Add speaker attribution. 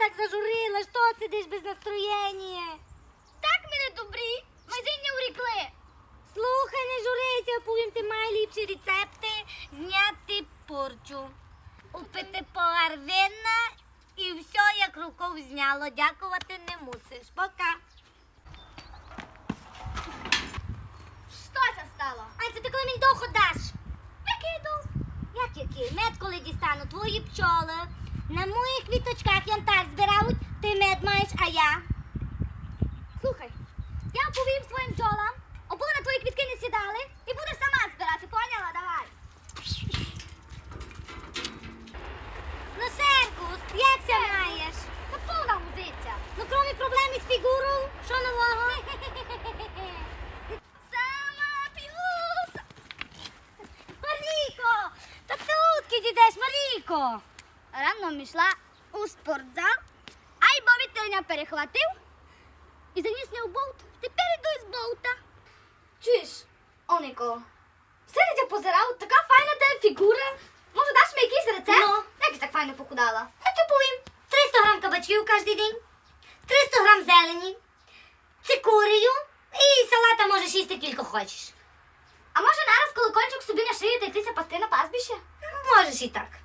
Speaker 1: так зажурила? Що сидиш без настроєння?
Speaker 2: Так ми не добрі, ми день не урікли.
Speaker 1: Слухай, не журися, оповім ти найліпші рецепти зняти порчу. Упити погар вина і все як рукав зняло. Дякувати не мусиш. Пока.
Speaker 2: Що це стало?
Speaker 1: Ай, це ти коли мені довго даш?
Speaker 2: Який дух?
Speaker 1: Який? Мед коли дістану, твої пчоли на моїх квіточках янтар збирають, ти мед маєш, а я?
Speaker 2: Слухай, я оповім своїм бджолам, оболи на твої квітки не сідали і будеш сама збирати, поняла? Давай.
Speaker 1: Ну, Серкус, як ся маєш?
Speaker 2: Та повна музиця.
Speaker 1: Ну, крім проблем із фігурою, що нового?
Speaker 2: Сама п'юса.
Speaker 1: Марійко, та ти утки дідеш, Марійко?
Speaker 2: Рано йшла у спортзал, а й бо вітерня перехватив і заніс не у болт. Тепер йду із болта. Чуєш, Онико, все я позирав, така файна тебе фігура. Може, даш мені якийсь рецепт?
Speaker 1: Ну?
Speaker 2: Як ти так файно похудала?
Speaker 1: Я тобі повім, 300 грам кабачків кожен день, 300 грам зелені, цикорію і салата можеш їсти кілька хочеш.
Speaker 2: А може нараз колокольчик собі на шию та йтися пасти на пастбище?
Speaker 1: Можеш і так.